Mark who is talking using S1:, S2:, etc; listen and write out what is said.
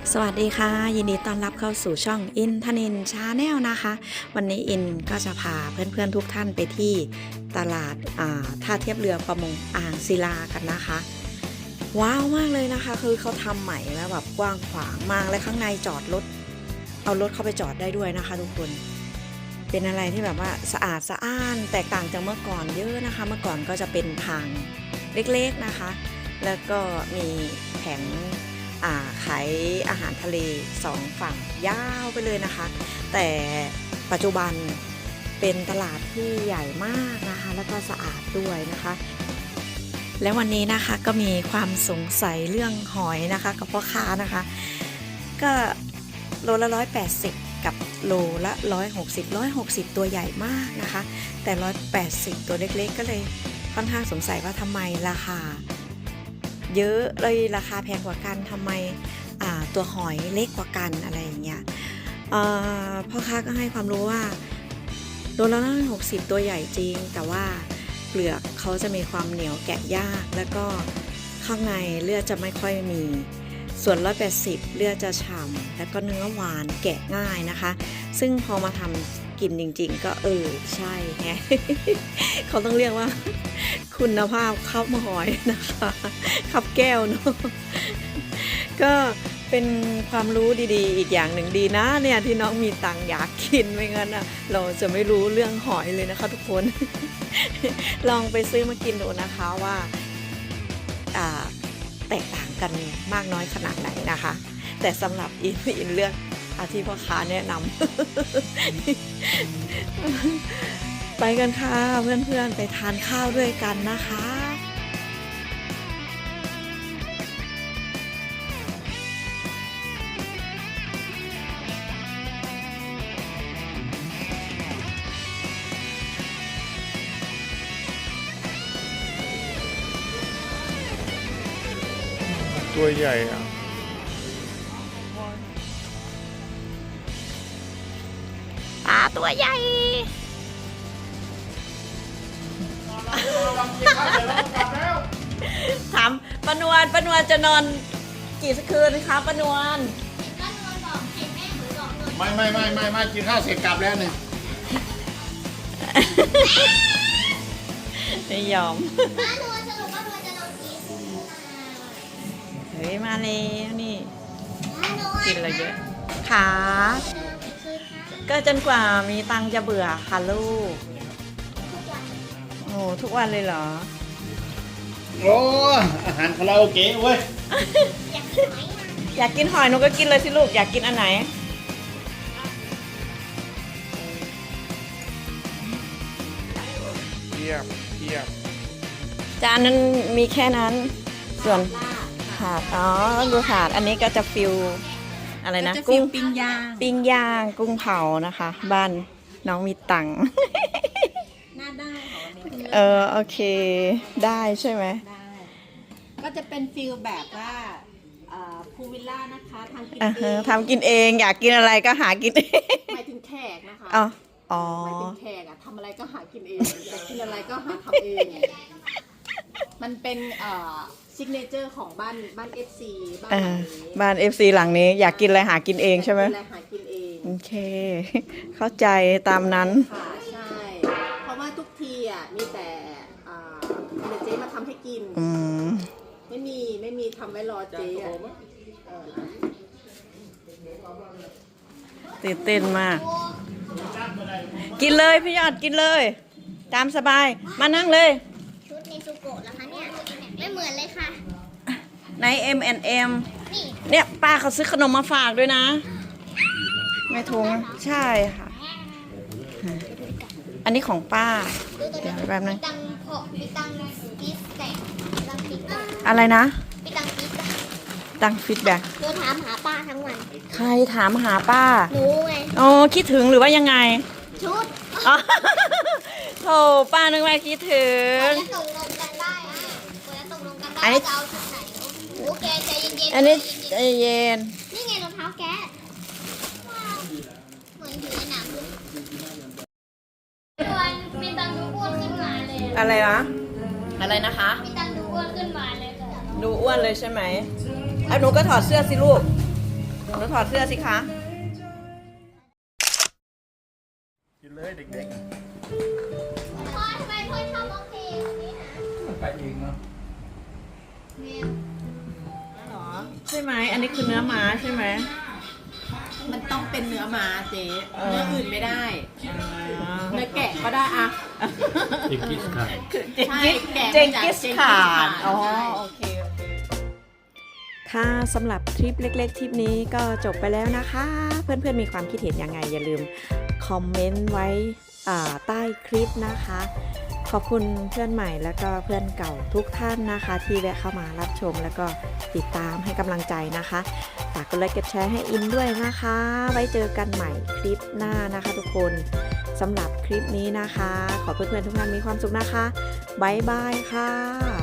S1: สวัสดีค่ะยินดีต้อนรับเข้าสู่ช่องอินทนินชาแนลนะคะวันนี้อินก็จะพาเพื่อนๆทุกท่านไปที่ตลาดท่าเทียบเรือประมงอ่างศิลากันนะคะว้าวมากเลยนะคะคือเขาทำใหม่แล้วแบบกว้างขวางมากและข้างในจอดรถเอารถเข้าไปจอดได้ด้วยนะคะทุกคนเป็นอะไรที่แบบว่าสะอาดสะอ้านแตกต่างจากเมื่อก่อนเยอะนะคะเมื่อก่อนก็จะเป็นทางเล็กๆนะคะแล้วก็มีแผงขายอาหารทะเล2ฝั่งยาวไปเลยนะคะแต่ปัจจุบันเป็นตลาดที่ใหญ่มากนะคะแล้วก็สะอาดด้วยนะคะและวันนี้นะคะก็มีความสงสัยเรื่องหอยนะคะกับพ่อค้านะคะก็โลละ180กับโลละ160ตัวใหญ่มากนะคะแต่180ตัวเล็กๆก็เลยค่อนข้างสงสัยว่าทำไมราคาเยอะเลยราคาแพงกว่ากันทำไมตัวหอยเล็กกว่ากันอะไรอย่างเงี้ยพ่อค้าก็ให้ความรู้ว่าโลละ160ตัวใหญ่จริงแต่ว่าเปลือกเขาจะมีความเหนียวแกะยากแล้วก็ข้างในเลือดจะไม่ค่อยมีส่วน180เลือดจะฉ่ำแล้วก็เนื้อหวานแกะง่ายนะคะซึ่งพอมาทำกินจริงๆก็ใช่ไง เขาต้องเรียกว่าคุณภาพข้าวหอยนะคะข้าวแก้วเนาะก็เป็นความรู้ดีๆอีกอย่างหนึ่งดีนะเนี่ยที่น้องมีตังค์อยากกินไม่งั้นเราจะไม่รู้เรื่องหอยเลยนะคะทุกคน ลองไปซื้อมากินดูนะคะว่าแตกต่างกันมากน้อยขนาดไหนนะคะแต่สำหรับอินเลือกที่พ่อค้าแนะนำ ไปกันค่ะเพื่อนๆไปทานข้าวด้วยกันนะคะ
S2: ตัวใหญ่
S1: ตัวใหญ่ถามปนวลจะนอนกี่คืนคะปนวล
S2: ไม่กินข้าวเสร็จกลับแล้วเนี่ย
S1: ไม่ยอมเฮ้ยมาแล้วนี่กินอะไรเยอะค่ะก็จนกว่ามีตังจะเบื่อค่ะลูกโอ้ทุกวันเลยเหรอ
S2: โอ้อาหารคาราโอเกะเว้ย
S1: อยากกินหอยหนูก็กินเลยสิลูกอยากกินอันไหน
S2: เทียบ
S1: จานนั้นมีแค่นั้นส่วนถาดดูถาดอันนี้ก็จะฟิลอะไรนะกุ้งปิ้งย่างกุ้งเผานะคะบ้านน้องมีตังค์
S3: น่าได้
S1: โอเคได้ใช่ไหม
S3: ได้ก็จะเป็นฟิลแบบว่าพูวิลล่านะคะทำกินเอง
S1: ทำกินเองอยากกินอะไรก็หากินเอง
S3: หมายถึงแขกนะคะหมายถึงแขกทำอะไรก็หากินเองอยากกินอะไรก็หาทำเองมันเป็นซิกเนเจอร์ของบ้านFC
S1: บ้าน FC หลังนี้อยากกินอะไรหากินเองใช่ไหม
S3: อะไรหากินเอง
S1: โอเคเข้าใจตามนั้น
S3: ค่ะใช่เพราะว่าทุกทีมีแต่เจ๊มาทำให้กินไม่มีทำไว้รอเจ๊
S1: ตื่นเต้นมากกินเลยพี่ยอดกินเลยตามสบายมานั่งเลย
S4: ชุดเนซูโกะเหรอคะเนี่ยไม่เหมือนเลยค่ะ
S1: ใน M&M เนี่ยป้าเขาซื้อขนมมาฝากด้วยนะไม่ถุงใช่ค่ะอันนี้ของป้าเดี๋ยวแป๊บนึง
S4: มีตังฟีดแบ็ก
S1: อะไรนะ
S4: มีตังฟีดแบ็ก
S1: ตังฟีดแบ็ก
S4: หนูถามหาป้าทั้งวัน
S1: ใครถามหาป้า
S4: หนูไง
S1: คิดถึงหรือว่ายังไง
S4: ชุด
S1: โธ่ป้านึกว่าคิดถึง
S4: ตกลงกันได้ตกลงกันได้จะเอาชุดไหนโอเคใจเย็น
S1: อันนี้ใจเย็น
S4: นี่ไงรองเท้าแกเหมือนอยู่ในหนังมีตังดูอ้วนขึ้นมาเลย
S1: อะไรนะคะ
S4: มีตังดูอ้วนขึ้นมาเลย
S1: ดูอ้วนเลยใช่ไหมหนูก็ถอดเสื้อสิลูกหนูถอดเสื้อสิคะ
S2: กินเลยเด็ก
S4: พ่อทำไมพ่อชอบร้องเพลงแบบนี้นะ
S2: ๆมันไปเองเนาะ
S4: แม่
S1: หรอใช่ไหมอันนี้คือเนื้อม้าใช่ไหม
S3: มันต้องเป็นเนื้อม้าเจ๊เนื้ออื่นไม่ได้ เนื้อแกะก็ได้อะ
S2: เด็กกิสค่ะ
S3: ใช่แกะ
S1: เจงกิสข่านอ๋อ
S3: ใช่
S1: โอเคค่ะสำหรับทริปเล็กๆทริปนี้ก็จบไปแล้วนะคะ เพื่อนๆมีความคิดเห็นยังไงอย่าลืมคอมเมนต์ไว้ใต้คลิปนะคะ ขอบคุณเพื่อนใหม่แล้วก็เพื่อนเก่าทุกท่านนะคะ ที่แวะเข้ามารับชมแล้วก็ติดตามให้กำลังใจนะคะฝากกดไลค์กดแชร์ให้อินด้วยนะคะ ไว้เจอกันใหม่คลิปหน้านะคะทุกคนสำหรับคลิปนี้นะคะ ขอเพื่อนๆทุกท่านมีความสุขนะคะบ๊ายบายค่ะ